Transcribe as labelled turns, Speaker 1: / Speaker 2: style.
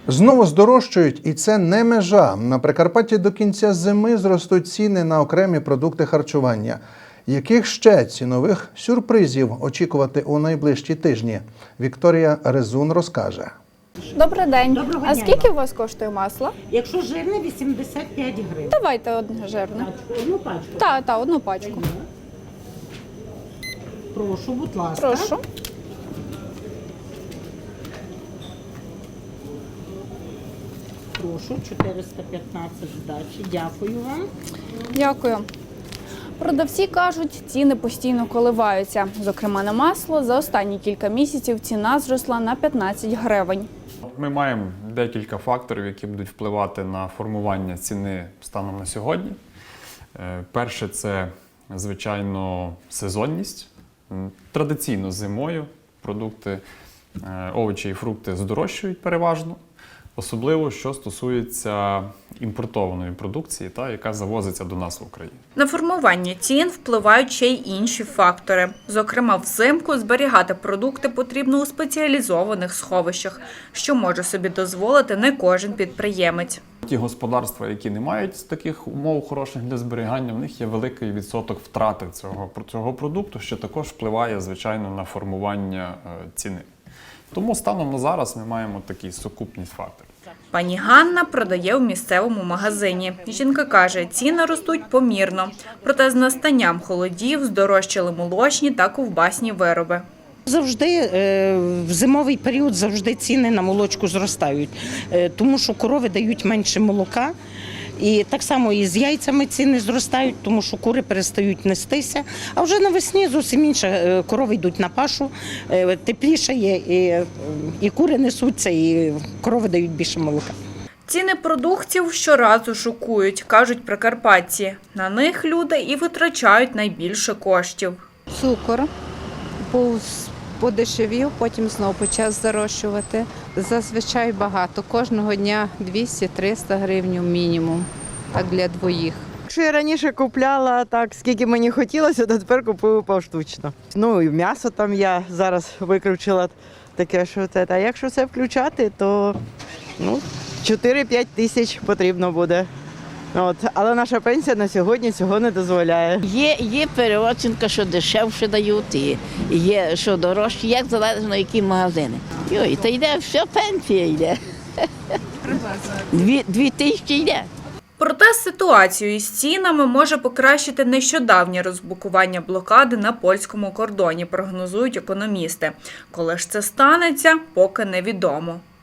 Speaker 1: Знову здорожчають, і це не межа. На Прикарпатті до кінця зими зростуть ціни на окремі продукти харчування. Яких ще цінових сюрпризів очікувати у найближчі тижні? Вікторія Резун розкаже.
Speaker 2: Добрий день.
Speaker 3: Доброго
Speaker 2: А
Speaker 3: дня.
Speaker 2: скільки у вас коштує масло?
Speaker 3: Якщо жирне, 85 гривень.
Speaker 2: Давайте одне жирне.
Speaker 3: Одну пачку.
Speaker 2: Так, одну пачку.
Speaker 3: Прошу, будь ласка.
Speaker 2: Прошу.
Speaker 3: Прошу, 415 здачі. Дякую вам.
Speaker 2: Дякую. Продавці кажуть, ціни постійно коливаються. Зокрема, на масло за останні кілька місяців ціна зросла на 15 гривень.
Speaker 4: Ми маємо декілька факторів, які будуть впливати на формування ціни станом на сьогодні. Перше – це, звичайно, сезонність. Традиційно зимою продукти, овочі і фрукти здорожчують переважно. Особливо, що стосується імпортованої продукції, яка завозиться до нас в Україну.
Speaker 5: На формування цін впливають ще й інші фактори. Зокрема, взимку зберігати продукти потрібно у спеціалізованих сховищах, що може собі дозволити не кожен підприємець.
Speaker 4: Ті господарства, які не мають таких умов хороших для зберігання, в них є великий відсоток втрати цього продукту, що також впливає, звичайно, на формування ціни. Тому станом на зараз ми маємо такий сукупність факторів.
Speaker 5: Пані Ганна продає в місцевому магазині. Жінка каже, ціни ростуть помірно. Проте з настанням холодів здорожчали молочні та ковбасні вироби.
Speaker 3: Завжди в зимовий період завжди ціни на молочку зростають, тому що корови дають менше молока. І так само і з яйцями ціни зростають, тому що кури перестають нестися. А вже навесні зовсім інше. Корови йдуть на пашу, тепліше є, і кури несуться, і корови дають більше молока.
Speaker 5: Ціни продуктів щоразу шокують, кажуть прикарпатці. На них люди і витрачають найбільше коштів.
Speaker 6: Цукор був подешевів, потім знову почав здорожчувати. Зазвичай багато. Кожного дня 200-300 гривень мінімум, так для двоїх.
Speaker 7: Якщо я раніше купляла так, скільки мені хотілося, то тепер купую поштучно. Ну і м'ясо там я зараз викручила таке, що це. А якщо це включати, то 4-5 тисяч потрібно буде. Але наша пенсія на сьогодні цього не дозволяє.
Speaker 8: Є переоцінка, що дешевше дають, і є, що дорожче, як залежно, які магазини. Та йде, все, пенсія йде. 2 тисячі йде.
Speaker 5: Проте ситуацію із цінами може покращити нещодавнє розблокування блокади на польському кордоні, прогнозують економісти. Коли ж це станеться, поки невідомо.